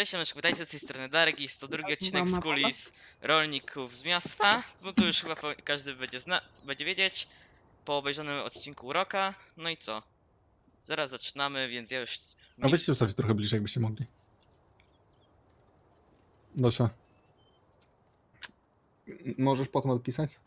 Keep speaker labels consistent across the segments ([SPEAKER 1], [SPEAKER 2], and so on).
[SPEAKER 1] Cześć, Janeczku, witajcie z tej strony Darek i jest to drugi odcinek z
[SPEAKER 2] Mama,
[SPEAKER 1] kulis rolników z miasta. No to już chyba każdy będzie wiedzieć po obejrzanym odcinku Roka. No i co? Zaraz zaczynamy, więc ja już...
[SPEAKER 3] A weźcie ustawcie trochę bliżej, jakbyście mogli. Dosia. Możesz potem odpisać?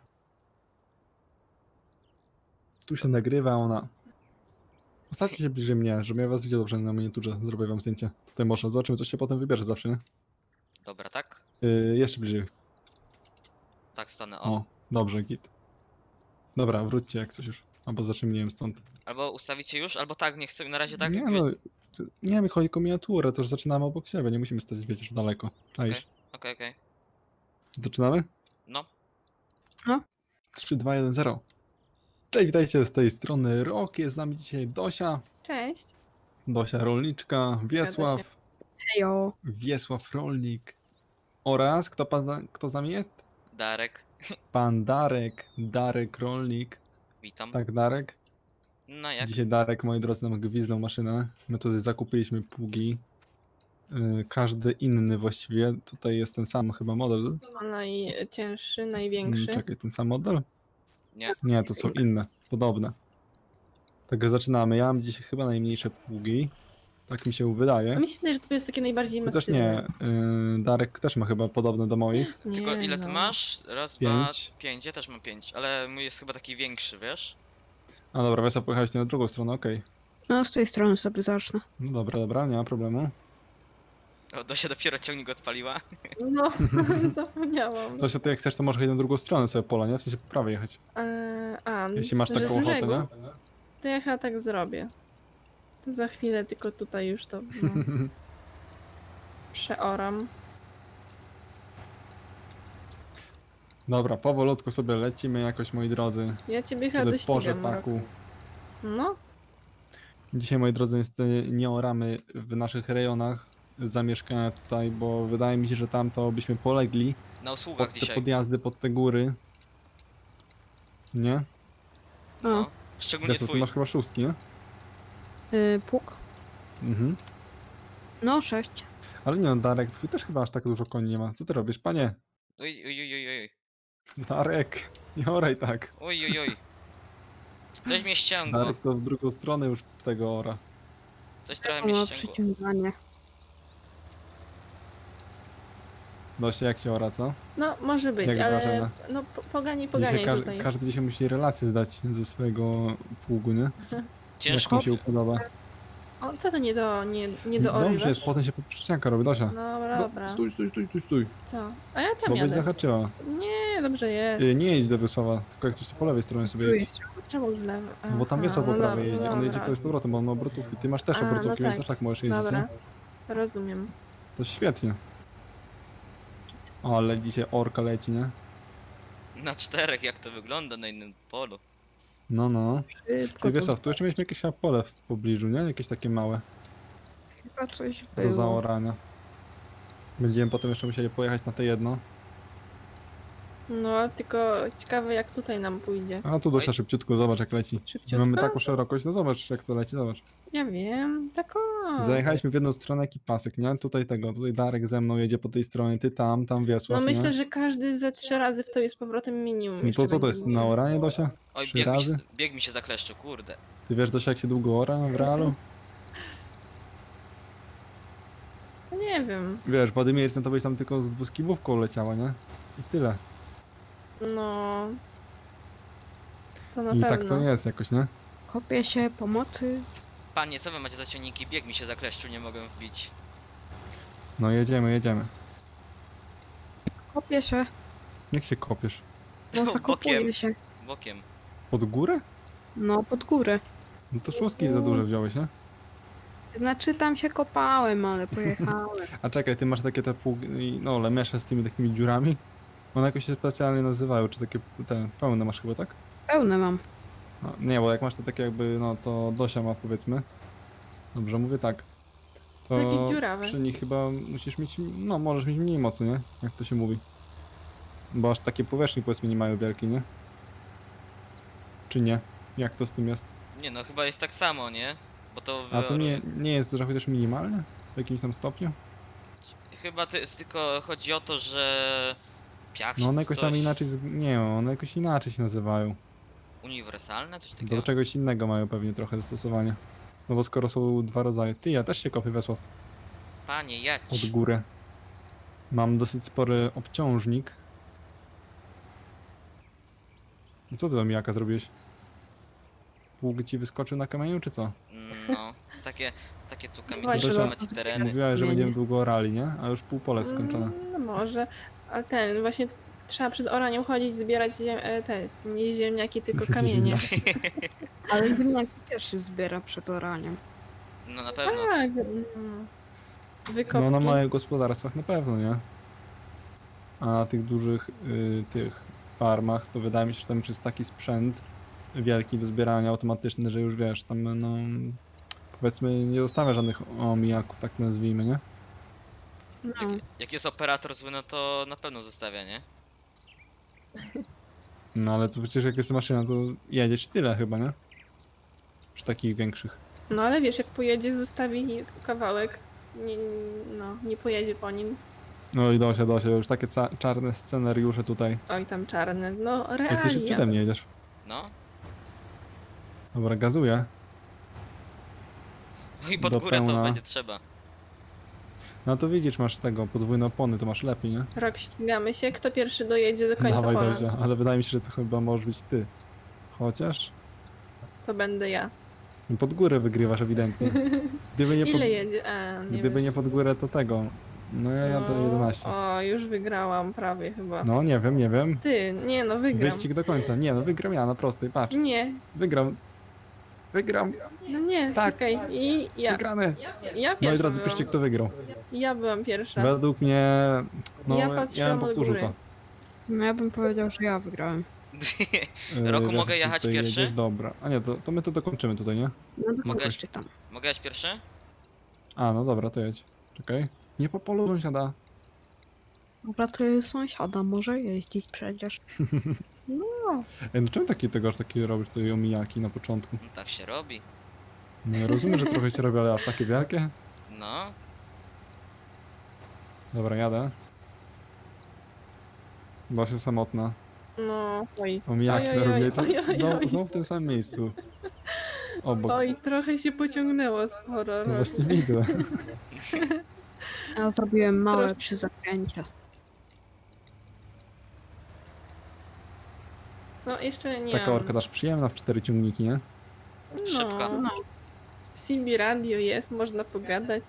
[SPEAKER 3] Tu się nagrywa ona. Postawcie się bliżej mnie, żebym ja was widział dobrze na miniaturze. Zrobię wam zdjęcie. Tutaj może zobaczymy, co się potem wybierze zawsze, nie?
[SPEAKER 1] Dobra, tak?
[SPEAKER 3] Jeszcze bliżej.
[SPEAKER 1] Tak stanę, o.
[SPEAKER 3] O, dobrze, git. Dobra, wróćcie jak coś już. Albo zacznijmy stąd.
[SPEAKER 1] Albo ustawicie już, albo tak, nie chcę na razie tak
[SPEAKER 3] Nie
[SPEAKER 1] jak
[SPEAKER 3] no,
[SPEAKER 1] wie...
[SPEAKER 3] nie mi chodzi o miniaturę, to już zaczynamy obok siebie, nie musimy stać, wiecie, że daleko. Czaisz?
[SPEAKER 1] Okej.
[SPEAKER 3] Zaczynamy?
[SPEAKER 1] No.
[SPEAKER 3] 3, 2, 1, 0. Cześć, witajcie z tej strony Rok, jest z nami dzisiaj Dosia.
[SPEAKER 2] Cześć.
[SPEAKER 3] Dosia Rolniczka, Wiesław,
[SPEAKER 2] Hejo.
[SPEAKER 3] Wiesław Rolnik oraz kto z nami jest?
[SPEAKER 1] Darek,
[SPEAKER 3] Pan Darek, Darek Rolnik.
[SPEAKER 1] witam.
[SPEAKER 3] Tak, Darek?
[SPEAKER 1] No jak?
[SPEAKER 3] Dzisiaj Darek, moi drodzy, nam gwizdnął maszynę. My tutaj zakupiliśmy pługi. Każdy inny właściwie. Tutaj jest ten sam chyba model.
[SPEAKER 2] Najcięższy, największy.
[SPEAKER 3] Czekaj, ten sam model?
[SPEAKER 1] Nie.
[SPEAKER 3] Nie, to są inne, podobne. Także zaczynamy. Ja mam dzisiaj chyba najmniejsze pługi. Tak mi się wydaje.
[SPEAKER 2] A mi się wydaje, że to jest takie najbardziej
[SPEAKER 3] Chociaż
[SPEAKER 2] masywne.
[SPEAKER 3] nie, Darek też ma chyba podobne do moich.
[SPEAKER 2] Nie,
[SPEAKER 1] Tylko ile ty
[SPEAKER 2] no.
[SPEAKER 1] masz? Raz, dwa,
[SPEAKER 3] 5.
[SPEAKER 1] 5. Ja też mam 5, ale mój jest chyba taki większy, wiesz?
[SPEAKER 3] A dobra, Wiesław, pojechałeś na drugą stronę, okej.
[SPEAKER 2] No, z tej strony sobie zacznę.
[SPEAKER 3] No dobra, nie ma problemu.
[SPEAKER 1] O, Dosia dopiero ciągnik odpaliła.
[SPEAKER 2] No, zapomniałam.
[SPEAKER 3] Zosia, ty jak chcesz, to możesz jechać na drugą stronę sobie pola, nie? W sensie po prawej jechać. Jeśli masz
[SPEAKER 2] że
[SPEAKER 3] taką
[SPEAKER 2] z
[SPEAKER 3] ochotę,
[SPEAKER 2] brzegu?
[SPEAKER 3] nie?
[SPEAKER 2] To ja chyba tak zrobię. To za chwilę tylko tutaj już to no, przeoram.
[SPEAKER 3] Dobra, powolutku sobie lecimy jakoś, moi drodzy.
[SPEAKER 2] Ja ciebie chyba
[SPEAKER 3] Wtedy w porze
[SPEAKER 2] dościgam, Rok.
[SPEAKER 3] paku.
[SPEAKER 2] No,
[SPEAKER 3] Dzisiaj, moi drodzy, niestety nie oramy w naszych rejonach zamieszkania tutaj, bo wydaje mi się, że tam to byśmy polegli
[SPEAKER 1] Na usługach
[SPEAKER 3] pod te
[SPEAKER 1] dzisiaj.
[SPEAKER 3] podjazdy, pod te góry. Nie?
[SPEAKER 1] No. Szczególnie
[SPEAKER 3] Wiesław, ty
[SPEAKER 1] twój.
[SPEAKER 3] masz chyba szóstki, nie?
[SPEAKER 2] pług.
[SPEAKER 3] Mhm.
[SPEAKER 2] No, 6.
[SPEAKER 3] Ale nie no, Darek, twój też chyba aż tak dużo koni nie ma. Co ty robisz, panie?
[SPEAKER 1] Oj.
[SPEAKER 3] Darek, nie oraj tak.
[SPEAKER 1] Oj. Coś mnie ściągło.
[SPEAKER 3] Darek to w drugą stronę już tego ora.
[SPEAKER 1] Coś trochę mnie ściągło.
[SPEAKER 2] przyciąganie.
[SPEAKER 3] Dosia, jak się ora, co?
[SPEAKER 2] No, może być,
[SPEAKER 3] Jak
[SPEAKER 2] ale
[SPEAKER 3] wrażenie?
[SPEAKER 2] no
[SPEAKER 3] Dzisiaj
[SPEAKER 2] poganiaj tutaj.
[SPEAKER 3] każdy dzisiaj musi relację zdać ze swojego pługu, nie? Jak
[SPEAKER 1] Ciężko.
[SPEAKER 3] mu się podoba.
[SPEAKER 2] O, co to nie do
[SPEAKER 3] Dobrze jest, potem się poprzeczniaka robi, Dosia.
[SPEAKER 2] Dobra.
[SPEAKER 3] Stój.
[SPEAKER 2] Co? A ja tam
[SPEAKER 3] Bo byś
[SPEAKER 2] jadę.
[SPEAKER 3] zahaczyła.
[SPEAKER 2] Nie, dobrze jest.
[SPEAKER 3] Nie jedź do Wiesława, tylko jak coś to po lewej stronie sobie jedź.
[SPEAKER 2] Czemu z lewej?
[SPEAKER 3] Bo tam Wiesław po prawej jeździ, on jedzie
[SPEAKER 2] dobra.
[SPEAKER 3] wtedy z powrotem, bo on ma obrotówki. Ty masz też
[SPEAKER 2] A, no
[SPEAKER 3] obrotówki, więc
[SPEAKER 2] tak.
[SPEAKER 3] też tak możesz jeździć,
[SPEAKER 2] Dobra,
[SPEAKER 3] nie?
[SPEAKER 2] rozumiem.
[SPEAKER 3] To świetnie. Ale dzisiaj orka leci, nie?
[SPEAKER 1] Na 4, jak to wygląda na innym polu.
[SPEAKER 3] No.
[SPEAKER 2] Szybko
[SPEAKER 3] Ty Wiesław, tu jeszcze mieliśmy jakieś chyba pole w pobliżu, nie? Jakieś takie małe
[SPEAKER 2] chyba coś
[SPEAKER 3] do zaorania. Będziemy potem jeszcze musieli pojechać na te jedno.
[SPEAKER 2] No, tylko ciekawe jak tutaj nam pójdzie.
[SPEAKER 3] A tu Dosia szybciutko, zobacz jak leci.
[SPEAKER 2] Szybciutko?
[SPEAKER 3] Mamy taką szerokość, no zobacz jak to leci, zobacz.
[SPEAKER 2] Ja wiem, tak o.
[SPEAKER 3] Zajechaliśmy w jedną stronę jaki pasek, nie? Tutaj Darek ze mną jedzie po tej stronie, ty tam Wiesław,
[SPEAKER 2] No myślę,
[SPEAKER 3] nie?
[SPEAKER 2] że każdy ze 3 razy w to jest powrotem minimum.
[SPEAKER 3] No
[SPEAKER 2] jeszcze
[SPEAKER 3] to co to
[SPEAKER 2] będzie
[SPEAKER 3] jest,
[SPEAKER 2] musiał.
[SPEAKER 3] na oranie Dosia?
[SPEAKER 1] Oj,
[SPEAKER 3] 3 razy?
[SPEAKER 1] bieg mi się zakleszczył, kurde.
[SPEAKER 3] Ty wiesz Dosia jak się długo ora w realu?
[SPEAKER 2] No nie wiem.
[SPEAKER 3] Wiesz, Władimir, to byś tam tylko z dwuskibówką leciała, nie? I tyle.
[SPEAKER 2] No. To na
[SPEAKER 3] I
[SPEAKER 2] pewno.
[SPEAKER 3] tak to jest jakoś, nie?
[SPEAKER 2] Kopię się, pomocy.
[SPEAKER 1] Panie, co wy macie za ciągniki? Bieg mi się zakleszczył, nie mogę wbić.
[SPEAKER 3] No jedziemy.
[SPEAKER 2] Kopię się.
[SPEAKER 3] Jak się kopiesz?
[SPEAKER 2] No,
[SPEAKER 1] Bokiem.
[SPEAKER 2] zakopuje się.
[SPEAKER 1] Bokiem.
[SPEAKER 3] Pod górę?
[SPEAKER 2] No, pod górę.
[SPEAKER 3] No to szóstki za duże wziąłeś, nie?
[SPEAKER 2] Znaczy tam się kopałem, ale pojechałem.
[SPEAKER 3] A czekaj, ty masz takie te pługi, no lemesze z tymi takimi dziurami? One jakoś się specjalnie nazywają, czy takie te pełne masz chyba, tak?
[SPEAKER 2] Pełne mam.
[SPEAKER 3] No, nie, bo jak masz te takie jakby, no co Dosia ma powiedzmy. Dobrze, mówię tak. To
[SPEAKER 2] Takie dziurawe.
[SPEAKER 3] przy nich chyba musisz mieć, no możesz mieć mniej mocy, nie? Jak to się mówi. Bo aż takie powierzchni powiedzmy nie mają wielkie, nie? Czy nie? Jak to z tym jest?
[SPEAKER 1] Nie no, chyba jest tak samo, nie? Bo to
[SPEAKER 3] A to nie jest, że chociaż minimalnie? W jakimś tam stopniu?
[SPEAKER 1] Chyba to jest tylko chodzi o to, że piach
[SPEAKER 3] No
[SPEAKER 1] się
[SPEAKER 3] one
[SPEAKER 1] to
[SPEAKER 3] jakoś tam
[SPEAKER 1] coś
[SPEAKER 3] inaczej, nie, one jakoś inaczej się nazywają.
[SPEAKER 1] uniwersalne, coś
[SPEAKER 3] Do
[SPEAKER 1] takiego.
[SPEAKER 3] czegoś innego mają pewnie trochę zastosowanie. No bo skoro są dwa rodzaje. Ty, ja też się kopię, Wesław,
[SPEAKER 1] Panie,
[SPEAKER 3] od
[SPEAKER 1] jedź.
[SPEAKER 3] góry. Mam dosyć spory obciążnik. I co ty tam jaka zrobiłeś? Pług ci wyskoczył na kamieniu, czy co?
[SPEAKER 1] No, takie tu kamienie
[SPEAKER 2] Właśnie,
[SPEAKER 1] są
[SPEAKER 3] to-
[SPEAKER 1] macie tereny.
[SPEAKER 3] Mówiłaś, że
[SPEAKER 2] Nie,
[SPEAKER 3] będziemy
[SPEAKER 2] nie.
[SPEAKER 3] długo orali, nie? A już pół pole jest skończone.
[SPEAKER 2] No może. Ale właśnie trzeba przed oraniem chodzić, zbierać te, nie ziemniaki, tylko kamienie.
[SPEAKER 4] Ale ziemniaki też się zbiera przed oraniem.
[SPEAKER 1] No na pewno.
[SPEAKER 2] Tak. Wykopki.
[SPEAKER 3] No na małych gospodarstwach na pewno, nie? A na tych dużych tych farmach to wydaje mi się, że tam już jest taki sprzęt wielki do zbierania automatyczny, że już wiesz, tam no powiedzmy nie zostawia żadnych omijaków, tak nazwijmy, nie?
[SPEAKER 2] No.
[SPEAKER 1] Jak jest operator zły, no to na pewno zostawia, nie?
[SPEAKER 3] No ale to przecież jak jest maszyna, to jedziesz i tyle chyba, nie? Przy takich większych.
[SPEAKER 2] No ale wiesz, jak pojedzie, zostawi kawałek, nie pojedzie po nim.
[SPEAKER 3] No i Dosia, już takie czarne scenariusze tutaj.
[SPEAKER 2] Oj, tam czarne. No,
[SPEAKER 3] Jak ty szybciej
[SPEAKER 2] realia.
[SPEAKER 3] ode mnie jedziesz.
[SPEAKER 1] No.
[SPEAKER 3] Dobra, gazuję.
[SPEAKER 1] No i pod
[SPEAKER 3] Do
[SPEAKER 1] górę to
[SPEAKER 3] pełna.
[SPEAKER 1] będzie trzeba.
[SPEAKER 3] No to widzisz, masz tego, podwójne opony, to masz lepiej, nie?
[SPEAKER 2] Rok ścigamy się, kto pierwszy dojedzie do końca
[SPEAKER 3] Dawaj
[SPEAKER 2] pola.
[SPEAKER 3] Dosia, ale wydaje mi się, że to chyba możesz być ty. Chociaż
[SPEAKER 2] To będę ja.
[SPEAKER 3] pod górę wygrywasz ewidentnie. Gdyby nie,
[SPEAKER 2] Ile jedzie? A, nie
[SPEAKER 3] gdyby
[SPEAKER 2] wiesz.
[SPEAKER 3] nie pod górę, to tego. No ja jadę 11.
[SPEAKER 2] O, już wygrałam prawie chyba.
[SPEAKER 3] No nie wiem.
[SPEAKER 2] Ty, nie no, wygram.
[SPEAKER 3] Wyścig do końca. Nie no, wygram ja na prostej, patrz.
[SPEAKER 2] Nie,
[SPEAKER 3] Wygram. Wygram.
[SPEAKER 2] no nie,
[SPEAKER 3] Tak.
[SPEAKER 2] czekaj. I ja.
[SPEAKER 3] Wygrany.
[SPEAKER 2] Ja pierwsza
[SPEAKER 3] Moi drodzy,
[SPEAKER 2] byłam.
[SPEAKER 3] piszcie kto wygrał.
[SPEAKER 2] Ja byłam pierwsza.
[SPEAKER 3] Według mnie, no
[SPEAKER 2] Ja
[SPEAKER 3] ja,
[SPEAKER 2] patrzyłam
[SPEAKER 3] bym
[SPEAKER 2] od
[SPEAKER 3] powtórzył
[SPEAKER 2] góry.
[SPEAKER 3] to.
[SPEAKER 4] No ja bym powiedział, że ja wygrałem.
[SPEAKER 1] Roku
[SPEAKER 3] Wiesz,
[SPEAKER 1] mogę
[SPEAKER 3] jak
[SPEAKER 1] jechać
[SPEAKER 3] tutaj
[SPEAKER 1] pierwszy?
[SPEAKER 3] jedziesz? Dobra. A nie, to my to dokończymy tutaj, nie?
[SPEAKER 4] No to
[SPEAKER 1] Mogę?
[SPEAKER 4] kogoś czytam.
[SPEAKER 1] Mogę jechać pierwszy?
[SPEAKER 3] A, no dobra, to jedź. Czekaj. Nie po polu sąsiada.
[SPEAKER 4] Dobra, to jest sąsiada, może jeździć przecież.
[SPEAKER 3] Ej, no czemu aż takie robisz tutaj omijaki na początku?
[SPEAKER 1] No, tak się robi.
[SPEAKER 3] No ja rozumiem, że trochę się robi, ale aż takie wielkie?
[SPEAKER 1] No.
[SPEAKER 3] Dobra, jadę. Dosia samotna.
[SPEAKER 2] No, oj.
[SPEAKER 3] Omijaki
[SPEAKER 2] Oj,
[SPEAKER 3] na
[SPEAKER 2] oj,
[SPEAKER 3] robię
[SPEAKER 2] oj,
[SPEAKER 3] to
[SPEAKER 2] oj, oj, oj.
[SPEAKER 3] znowu w tym samym miejscu. Obok.
[SPEAKER 2] Oj, trochę się pociągnęło sporo.
[SPEAKER 3] No właśnie widzę.
[SPEAKER 4] Ja zrobiłem małe
[SPEAKER 2] Troszkę.
[SPEAKER 4] przy zakręcie.
[SPEAKER 2] No, jeszcze nie
[SPEAKER 3] Taka
[SPEAKER 2] mam.
[SPEAKER 3] orka też przyjemna w 4 ciągniki, nie?
[SPEAKER 1] Szybka.
[SPEAKER 2] No. CB radio jest, można pogadać.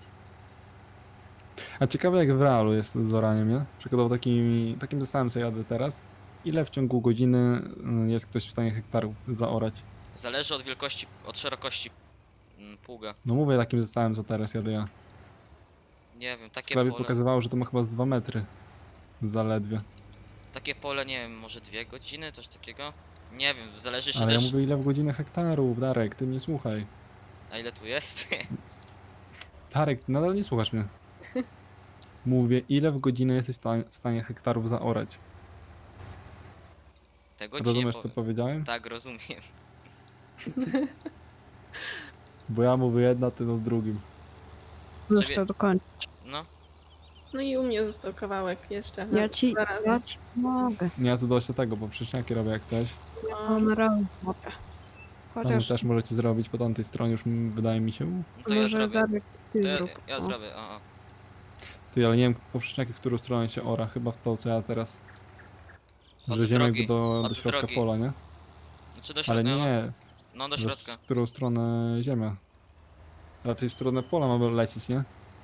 [SPEAKER 3] A ciekawe jak w realu jest z oraniem, nie? Przykładowo takim zestawem co jadę teraz. Ile w ciągu godziny jest ktoś w stanie hektarów zaorać?
[SPEAKER 1] Zależy od wielkości, od szerokości pługa.
[SPEAKER 3] No mówię takim zestawem co teraz jadę ja.
[SPEAKER 1] Nie wiem,
[SPEAKER 3] W
[SPEAKER 1] takie
[SPEAKER 3] sklepie
[SPEAKER 1] pole,
[SPEAKER 3] pokazywało, że to ma chyba z 2 metry. Zaledwie.
[SPEAKER 1] nie wiem, może 2 godziny, coś takiego? Nie wiem, zależy jeszcze
[SPEAKER 3] Ale ja
[SPEAKER 1] też,
[SPEAKER 3] mówię ile w godzinę hektarów, Darek, ty mnie słuchaj.
[SPEAKER 1] a ile tu jest.
[SPEAKER 3] Darek, ty nadal nie słuchasz mnie. Mówię, ile w godzinę jesteś w stanie hektarów zaorać.
[SPEAKER 1] Tego ci nie
[SPEAKER 3] Rozumiesz co
[SPEAKER 1] powiem.
[SPEAKER 3] powiedziałem?
[SPEAKER 1] Tak, rozumiem.
[SPEAKER 3] Bo ja mówię jedna, ty no drugim.
[SPEAKER 4] Możesz
[SPEAKER 1] Ciebie-
[SPEAKER 4] to dokończyć.
[SPEAKER 1] No,
[SPEAKER 2] No i u mnie został kawałek jeszcze.
[SPEAKER 4] Ja ci
[SPEAKER 2] Zaraz.
[SPEAKER 4] pomogę.
[SPEAKER 3] Nie, ja tu dość tego, bo przyczniaki robię jak coś.
[SPEAKER 2] No,
[SPEAKER 4] Mam rękę. Dobra.
[SPEAKER 3] Tam
[SPEAKER 4] Chociaż
[SPEAKER 3] też możecie zrobić po tamtej stronie, już wydaje mi się.
[SPEAKER 1] no to ja
[SPEAKER 4] może
[SPEAKER 1] zrobię.
[SPEAKER 4] Darek ty
[SPEAKER 1] To ja,
[SPEAKER 4] zrób.
[SPEAKER 1] ja
[SPEAKER 4] O.
[SPEAKER 1] zrobię, o.
[SPEAKER 3] Ty, ale nie wiem po przyczniaki, w którą stronę się ora. Chyba w to, co ja teraz.
[SPEAKER 1] Od
[SPEAKER 3] Że ziemię
[SPEAKER 1] drogi,
[SPEAKER 3] do
[SPEAKER 1] od
[SPEAKER 3] środka
[SPEAKER 1] drogi.
[SPEAKER 3] pola, nie?
[SPEAKER 1] Czy do
[SPEAKER 3] Ale
[SPEAKER 1] środka?
[SPEAKER 3] nie,
[SPEAKER 1] No do
[SPEAKER 3] że
[SPEAKER 1] środka.
[SPEAKER 3] w którą stronę ziemia. Raczej w stronę pola mamy lecieć, nie?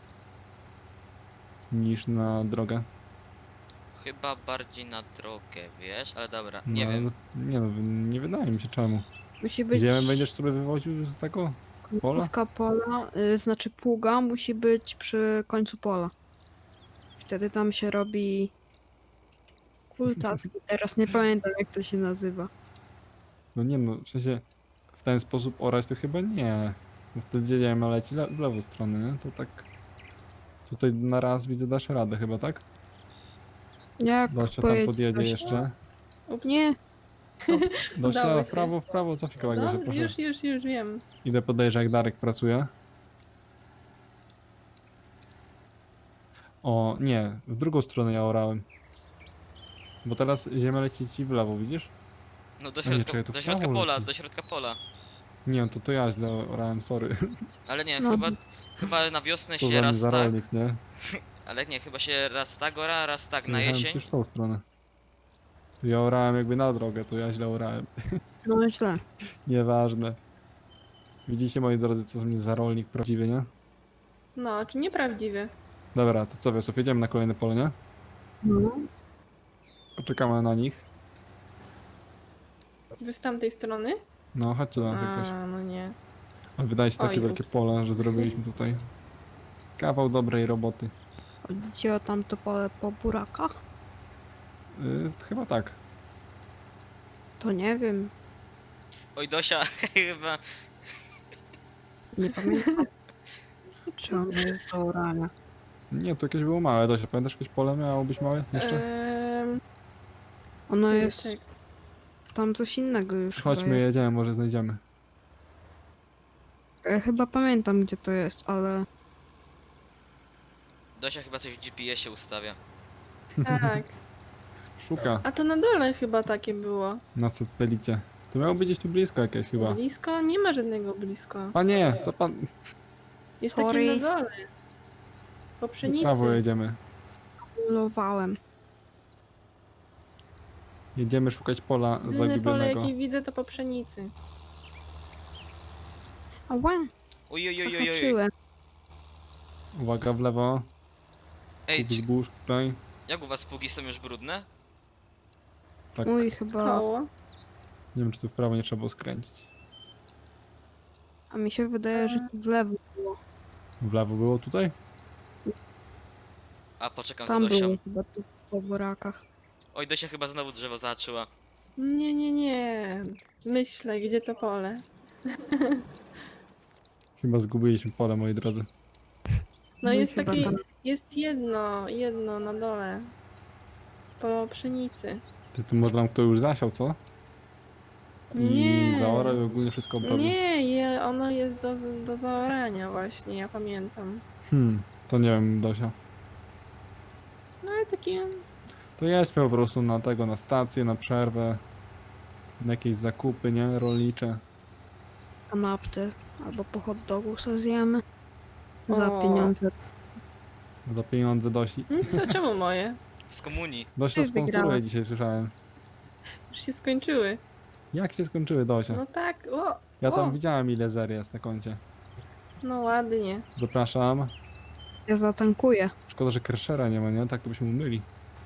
[SPEAKER 3] Niż na drogę.
[SPEAKER 1] Chyba bardziej na drogę, wiesz? Ale dobra,
[SPEAKER 3] No,
[SPEAKER 1] nie wiem.
[SPEAKER 3] Nie no, nie wydaje mi się czemu.
[SPEAKER 4] Musi być
[SPEAKER 3] Ziemię będziesz sobie wywoził z tego pola?
[SPEAKER 4] końcówka pola, znaczy pługa musi być przy końcu pola. Wtedy tam się robi kultacki. Teraz nie pamiętam jak to się nazywa.
[SPEAKER 3] No nie no, w sensie w ten sposób orać to chyba nie. Bo wtedy ziemia leci w lewą stronę, nie? To tak... Tutaj na raz widzę dasz radę chyba, tak?
[SPEAKER 4] Jak
[SPEAKER 3] Dosia tam
[SPEAKER 4] pojedzie
[SPEAKER 3] podjedzie
[SPEAKER 4] Dosia?
[SPEAKER 3] jeszcze.
[SPEAKER 2] ups.
[SPEAKER 4] Nie,
[SPEAKER 3] Dosia,
[SPEAKER 2] Udało
[SPEAKER 3] w
[SPEAKER 2] się.
[SPEAKER 3] prawo, cofnij kawałek,
[SPEAKER 2] No,
[SPEAKER 3] Dosia, proszę.
[SPEAKER 2] już wiem.
[SPEAKER 3] Idę podejrzeć jak Darek pracuje. O, nie, w drugą stronę ja orałem. Bo teraz ziemia leci ci w lewo, widzisz?
[SPEAKER 1] No do
[SPEAKER 3] A nie,
[SPEAKER 1] środka,
[SPEAKER 3] czekaj, to
[SPEAKER 1] do
[SPEAKER 3] w
[SPEAKER 1] środka
[SPEAKER 3] prawo
[SPEAKER 1] pola,
[SPEAKER 3] leci.
[SPEAKER 1] do środka pola.
[SPEAKER 3] Nie, to ja źle orałem, sorry.
[SPEAKER 1] Ale nie,
[SPEAKER 4] No.
[SPEAKER 1] chyba na wiosnę
[SPEAKER 3] Co
[SPEAKER 1] się
[SPEAKER 3] za
[SPEAKER 1] raz tak,
[SPEAKER 3] niezarolnik, nie?
[SPEAKER 1] ale nie, chyba się raz tak ora, raz tak na
[SPEAKER 3] Jechałem
[SPEAKER 1] jesień.
[SPEAKER 3] przecież w tą stronę. To ja orałem jakby na drogę, to ja źle orałem.
[SPEAKER 4] No źle.
[SPEAKER 3] Nieważne. Widzicie, moi drodzy, co z mnie za rolnik prawdziwy, nie?
[SPEAKER 2] No, czy nieprawdziwy?
[SPEAKER 3] Dobra, to co, Wiosław, jedziemy na kolejne pole, nie?
[SPEAKER 4] No.
[SPEAKER 3] Poczekamy na nich.
[SPEAKER 2] Wy z tamtej strony?
[SPEAKER 3] No, chodźcie do nas jak coś.
[SPEAKER 2] A, no nie.
[SPEAKER 3] Ale wydaje się takie
[SPEAKER 2] Oj,
[SPEAKER 3] wielkie
[SPEAKER 2] ups.
[SPEAKER 3] pole, że zrobiliśmy tutaj kawał dobrej roboty.
[SPEAKER 4] Chodzi o tamto pole po burakach?
[SPEAKER 3] Chyba tak.
[SPEAKER 4] To nie wiem.
[SPEAKER 1] Oj Dosia, chyba.
[SPEAKER 4] Nie pamiętam. Czy ono jest do orania?
[SPEAKER 3] Nie, to jakieś było małe, Dosia. Pamiętasz, jakieś pole miało być małe jeszcze?
[SPEAKER 4] Ono jest
[SPEAKER 2] czek-
[SPEAKER 4] tam coś innego już chyba
[SPEAKER 3] Chodźmy,
[SPEAKER 4] jest.
[SPEAKER 3] jedziemy, może znajdziemy.
[SPEAKER 4] Chyba pamiętam gdzie to jest, ale
[SPEAKER 1] Dosia chyba coś w GPS-ie ustawia.
[SPEAKER 2] Tak.
[SPEAKER 3] Szuka
[SPEAKER 2] A to na dole chyba takie było.
[SPEAKER 3] na satelicie. To miało być gdzieś tu blisko jakieś chyba.
[SPEAKER 2] Blisko? Nie ma żadnego blisko.
[SPEAKER 3] Panie, co pan...
[SPEAKER 2] Jest
[SPEAKER 4] Sorry.
[SPEAKER 2] takie na dole. Po
[SPEAKER 3] W
[SPEAKER 2] pszenicy.
[SPEAKER 3] prawo jedziemy.
[SPEAKER 4] kulowałem.
[SPEAKER 3] Jedziemy szukać pola
[SPEAKER 2] Jedyne pole
[SPEAKER 3] zagubionego.
[SPEAKER 2] jakie widzę to po pszenicy.
[SPEAKER 4] Ała,
[SPEAKER 1] Oj, oj, oj, oj, oj.
[SPEAKER 4] zahaczyłem.
[SPEAKER 3] Uwaga, w lewo.
[SPEAKER 1] Ej,
[SPEAKER 3] Kup zbóż tutaj.
[SPEAKER 1] jak u was pługi są już brudne?
[SPEAKER 3] Tak.
[SPEAKER 4] Mój chyba,
[SPEAKER 2] Koło.
[SPEAKER 3] Nie wiem, czy tu w prawo nie trzeba było skręcić.
[SPEAKER 4] a mi się wydaje, że w lewo było.
[SPEAKER 3] W lewo było tutaj?
[SPEAKER 1] A poczekam
[SPEAKER 4] Tam
[SPEAKER 1] za Dosią.
[SPEAKER 4] było chyba tu po burakach.
[SPEAKER 1] Oj, Dosia chyba znowu drzewo zahaczyła.
[SPEAKER 2] Nie, nie, nie. Myślę, gdzie to pole.
[SPEAKER 3] Chyba zgubiliśmy pole, moi drodzy.
[SPEAKER 2] No
[SPEAKER 4] Mój
[SPEAKER 2] jest
[SPEAKER 4] chyba
[SPEAKER 2] taki,
[SPEAKER 4] tam.
[SPEAKER 2] jest jedno na dole. Po pszenicy.
[SPEAKER 3] Ty tu może nam kto już zasiał, co? I
[SPEAKER 2] Nie.
[SPEAKER 3] zaorał i ogólnie wszystko oprawił.
[SPEAKER 2] Ono jest do zaorania właśnie, ja pamiętam.
[SPEAKER 3] To nie wiem, Dosia.
[SPEAKER 2] No ale takie...
[SPEAKER 3] To jedźmy po prostu na tego, na stację, na przerwę. Na jakieś zakupy, nie? Rolnicze.
[SPEAKER 4] Kanapty albo po hot dogu sobie zjemy. Za
[SPEAKER 2] O.
[SPEAKER 4] pieniądze.
[SPEAKER 3] Za pieniądze Dosi.
[SPEAKER 2] Co, czemu moje?
[SPEAKER 1] Z komunii.
[SPEAKER 3] Dosia
[SPEAKER 4] Ty
[SPEAKER 3] sponsoruje
[SPEAKER 4] wygrałeś.
[SPEAKER 3] dzisiaj, słyszałem.
[SPEAKER 2] Już się skończyły.
[SPEAKER 3] Jak się skończyły, Dosia?
[SPEAKER 2] No tak, o!
[SPEAKER 3] Ja tam
[SPEAKER 2] o.
[SPEAKER 3] widziałem, ile zer jest na koncie.
[SPEAKER 2] No ładnie.
[SPEAKER 3] Zapraszam.
[SPEAKER 4] Ja zatankuję.
[SPEAKER 3] Szkoda, że Kershera nie ma, nie? Tak to byśmy umyli.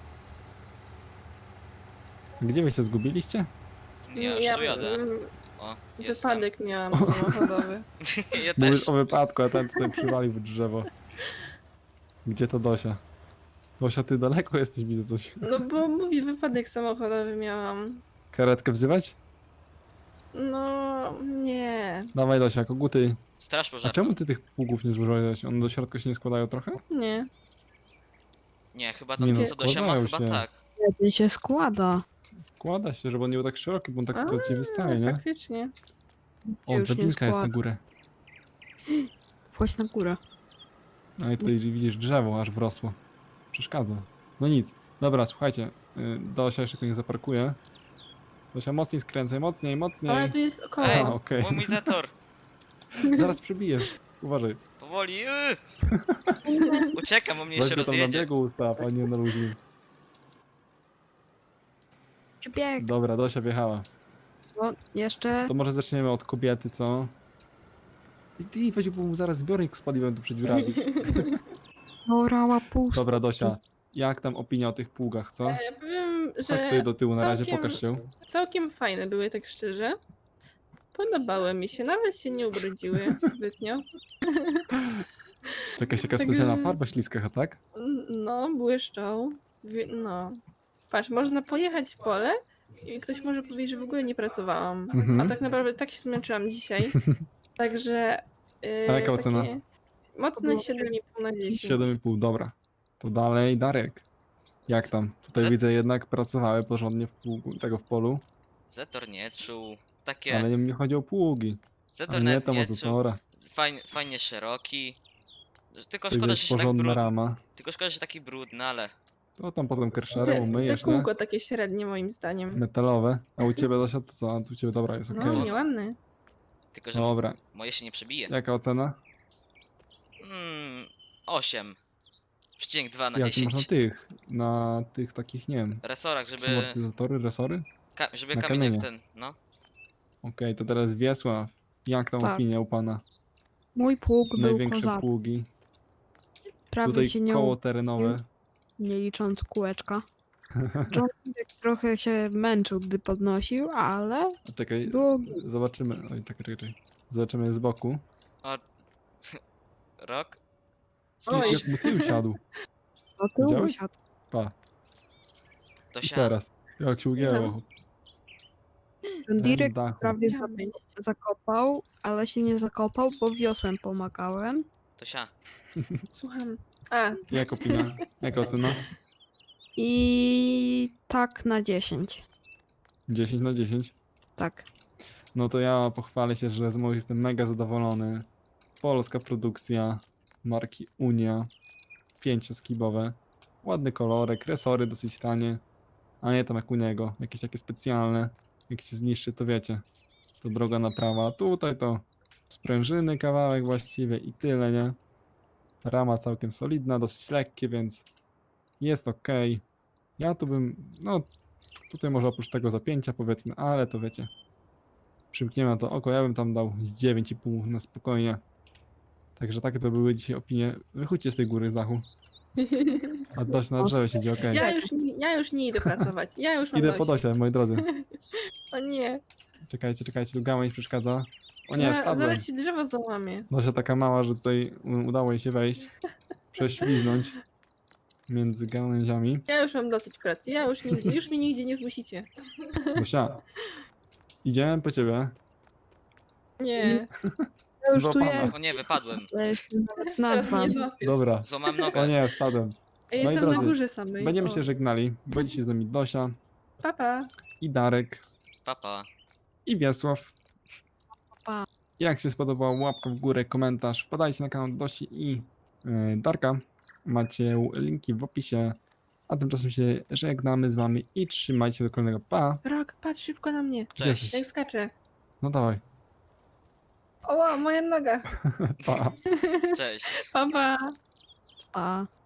[SPEAKER 3] Gdzie wy się zgubiliście?
[SPEAKER 1] Ja już tu jadę. O, jestem.
[SPEAKER 2] Wypadek miałam samochodowy.
[SPEAKER 1] Ja też.
[SPEAKER 3] Mówisz o wypadku, a ten tutaj przywalił w drzewo. Gdzie to Dosia? Dosia, ty daleko jesteś, widzę coś.
[SPEAKER 2] No bo mówię, wypadek samochodowy miałam.
[SPEAKER 3] Karetkę wzywać?
[SPEAKER 2] No, nie.
[SPEAKER 3] Dawaj Dosia, koguty.
[SPEAKER 1] Straż
[SPEAKER 3] A
[SPEAKER 1] pożarna.
[SPEAKER 3] czemu ty tych pługów nie złożyłeś? One do środka się nie składają trochę?
[SPEAKER 2] Nie.
[SPEAKER 1] Nie, chyba
[SPEAKER 3] Nie
[SPEAKER 1] tam
[SPEAKER 3] no,
[SPEAKER 1] co Dosia ma,
[SPEAKER 3] składają
[SPEAKER 1] chyba
[SPEAKER 3] się.
[SPEAKER 1] tak.
[SPEAKER 4] Jeden się składa.
[SPEAKER 3] Składa się, żeby on nie był tak szeroki, bo on tak to ci wystaje,
[SPEAKER 2] No,
[SPEAKER 3] nie?
[SPEAKER 2] faktycznie.
[SPEAKER 3] O,
[SPEAKER 4] już nie
[SPEAKER 3] drabinka jest na
[SPEAKER 4] składa.
[SPEAKER 3] górę.
[SPEAKER 4] Wchodź na górę.
[SPEAKER 3] No i tutaj widzisz drzewo aż wrosło. Przeszkadza. No nic. Dobra, słuchajcie. Dosia jeszcze nie zaparkuje. Dosia, mocniej skręcaj, mocniej,
[SPEAKER 2] Ale
[SPEAKER 3] mocniej.
[SPEAKER 2] tu jest koło.
[SPEAKER 1] Ej,
[SPEAKER 3] okej.
[SPEAKER 1] mój zator.
[SPEAKER 3] Zaraz przebijesz. Uważaj.
[SPEAKER 1] Powoli. Uciekam, bo mnie
[SPEAKER 3] Weź
[SPEAKER 1] jeszcze
[SPEAKER 3] go tam na
[SPEAKER 1] rozjedzie.
[SPEAKER 3] biegu ustaw, a nie na luźni.
[SPEAKER 4] Bieg.
[SPEAKER 3] Dobra, Dosia wjechała.
[SPEAKER 4] O, jeszcze.
[SPEAKER 3] To może zaczniemy od kobiety, co? Ty, weź, bo mu zaraz zbiornik z paliwem tu przed dziurami.
[SPEAKER 4] Orała pusta.
[SPEAKER 3] Dobra, Dosia. Jak tam opinia o tych pługach, co?
[SPEAKER 2] Ja powiem,
[SPEAKER 3] Chodź
[SPEAKER 2] że
[SPEAKER 3] tutaj do tyłu na razie,
[SPEAKER 2] całkiem-
[SPEAKER 3] pokaż się.
[SPEAKER 2] całkiem fajne były, tak szczerze. Podobały mi się, nawet się nie ubrudziły zbytnio.
[SPEAKER 3] To jakaś taka
[SPEAKER 2] Także-
[SPEAKER 3] specjalna farba śliska, tak?
[SPEAKER 2] No, błyszczą. No. Patrz, można pojechać w pole i ktoś może powiedzieć, że w ogóle nie pracowałam.
[SPEAKER 3] Mhm.
[SPEAKER 2] A tak naprawdę tak się zmęczyłam dzisiaj. Także.
[SPEAKER 3] A jaka ocena?
[SPEAKER 2] Mocne 7,5 na 10.
[SPEAKER 3] 7,5, dobra. To dalej, Darek. Jak tam? Tutaj
[SPEAKER 1] Za-
[SPEAKER 3] widzę jednak pracowały porządnie w pługu, tego w polu,
[SPEAKER 1] Zator nie czuł. Takie.
[SPEAKER 3] ale nie chodzi o pługi. A
[SPEAKER 1] Zator
[SPEAKER 3] nie
[SPEAKER 1] nawet
[SPEAKER 3] to
[SPEAKER 1] nie
[SPEAKER 3] może
[SPEAKER 1] czuł.
[SPEAKER 3] tora.
[SPEAKER 1] Fajnie szeroki. Tylko
[SPEAKER 3] To
[SPEAKER 1] szkoda,
[SPEAKER 3] jest
[SPEAKER 1] że się tak
[SPEAKER 3] porządna
[SPEAKER 1] brudny.
[SPEAKER 3] rama.
[SPEAKER 1] Tylko szkoda, że taki brudny, ale...
[SPEAKER 3] To tam potem
[SPEAKER 2] Te,
[SPEAKER 3] kerszerem umyjesz,
[SPEAKER 2] te
[SPEAKER 3] nie?
[SPEAKER 2] kółko takie średnie moim zdaniem.
[SPEAKER 3] Metalowe. A u ciebie Dosia to co? A u ciebie dobra, jest
[SPEAKER 2] No,
[SPEAKER 3] okej.
[SPEAKER 2] nieładny.
[SPEAKER 1] Tylko, że
[SPEAKER 3] Dobra.
[SPEAKER 1] moje się nie przebije.
[SPEAKER 3] Jaka ocena?
[SPEAKER 1] 8. Przecinek 2 na
[SPEAKER 3] Jak ty masz
[SPEAKER 1] 10.
[SPEAKER 3] na tych takich, nie wiem,
[SPEAKER 1] Resorach, żeby...
[SPEAKER 3] amortyzatory, resory?
[SPEAKER 1] Żeby
[SPEAKER 3] na
[SPEAKER 1] kamień jak
[SPEAKER 3] kamienie.
[SPEAKER 1] ten, no.
[SPEAKER 3] Okej, to teraz Wiesław. Jak tam
[SPEAKER 4] Tak.
[SPEAKER 3] opinia u pana?
[SPEAKER 4] Mój pług był
[SPEAKER 3] Największe
[SPEAKER 4] kozak.
[SPEAKER 3] pługi.
[SPEAKER 4] Prawie
[SPEAKER 3] Tutaj
[SPEAKER 4] się nie,
[SPEAKER 3] koło terenowe.
[SPEAKER 4] nie licząc kółeczka. John Wick trochę się męczył, gdy podnosił, ale
[SPEAKER 3] A czekaj,
[SPEAKER 4] było
[SPEAKER 3] zobaczymy. Oj, czekaj. Zobaczymy z boku.
[SPEAKER 1] O... Rok?
[SPEAKER 2] Oj.
[SPEAKER 3] Jak mu tył siadł.
[SPEAKER 4] do tyłu
[SPEAKER 3] Widziałeś?
[SPEAKER 4] siadł.
[SPEAKER 3] Pa.
[SPEAKER 1] To
[SPEAKER 3] I
[SPEAKER 1] się...
[SPEAKER 3] teraz. Jak się ugięło.
[SPEAKER 4] John Direk
[SPEAKER 3] dachu.
[SPEAKER 4] prawie
[SPEAKER 2] Chciałam wyjść.
[SPEAKER 4] zakopał, ale się nie zakopał, bo wiosłem pomagałem.
[SPEAKER 1] To się...
[SPEAKER 2] Słucham. A,
[SPEAKER 3] Jak opinia? Jaka ocena?
[SPEAKER 4] I tak na 10.
[SPEAKER 3] 10 na 10.
[SPEAKER 4] Tak.
[SPEAKER 3] No to ja pochwalę się, że z moich jestem mega zadowolony. Polska produkcja marki Unia. 5-skibowe. Ładny kolorek, resory dosyć tanie. A nie tam jak u niego, jakieś takie specjalne. Jak się zniszczy, to wiecie. To droga naprawa. Tutaj to sprężyny kawałek właściwie i tyle, nie? Rama całkiem solidna, dosyć lekkie, więc jest ok. Ja tu bym, no tutaj może oprócz tego zapięcia powiedzmy, ale to wiecie. Przymkniemy na to oko, ja bym tam dał 9,5 na spokojnie. Także takie to były dzisiaj opinie. Wychódźcie z tej góry z dachu. A dość na drzewie siedzi, okej.
[SPEAKER 2] ja już nie idę pracować. Ja już mam
[SPEAKER 3] Idę
[SPEAKER 2] dość.
[SPEAKER 3] po Dosie, moi drodzy.
[SPEAKER 2] O nie.
[SPEAKER 3] Czekajcie, tu gałęź przeszkadza. O nie,
[SPEAKER 2] Ja,
[SPEAKER 3] spadłem.
[SPEAKER 2] zaraz się drzewo załamie.
[SPEAKER 3] Dosia taka mała, że tutaj udało jej się wejść. Prześliznąć między gałęziami.
[SPEAKER 2] Ja już mam dosyć pracy. Ja już mnie nigdzie nie zmusicie.
[SPEAKER 3] Dosia, idziemy po ciebie.
[SPEAKER 2] Nie.
[SPEAKER 4] Ja już tu
[SPEAKER 3] Złapana.
[SPEAKER 4] jest,
[SPEAKER 1] O nie, wypadłem.
[SPEAKER 4] ja jestem nawet
[SPEAKER 2] Teraz
[SPEAKER 4] nazwa.
[SPEAKER 2] mnie złapiesz.
[SPEAKER 3] Dobra.
[SPEAKER 1] Złamam
[SPEAKER 3] O
[SPEAKER 1] nogę.
[SPEAKER 3] nie, spadłem.
[SPEAKER 2] Ja
[SPEAKER 3] Moi
[SPEAKER 2] jestem na
[SPEAKER 3] drodzy,
[SPEAKER 2] górze samej.
[SPEAKER 3] Będziemy
[SPEAKER 2] O.
[SPEAKER 3] się żegnali. Będzie się z nami Dosia
[SPEAKER 2] Papa.
[SPEAKER 3] i Darek
[SPEAKER 1] Papa.
[SPEAKER 3] i Wiesław.
[SPEAKER 4] Pa.
[SPEAKER 3] Jak się spodobał, łapka w górę, komentarz. Wpadajcie na kanał Dosi i Darka. Macie linki w opisie. A tymczasem się żegnamy z wami i trzymajcie się do kolejnego. Pa!
[SPEAKER 2] Rok, patrz szybko na mnie.
[SPEAKER 3] Gdzie
[SPEAKER 1] Cześć.
[SPEAKER 3] jesteś?
[SPEAKER 2] Jak skaczę.
[SPEAKER 3] No dawaj.
[SPEAKER 2] O, moja noga.
[SPEAKER 3] Pa!
[SPEAKER 1] Cześć.
[SPEAKER 2] Papa.
[SPEAKER 4] Pa.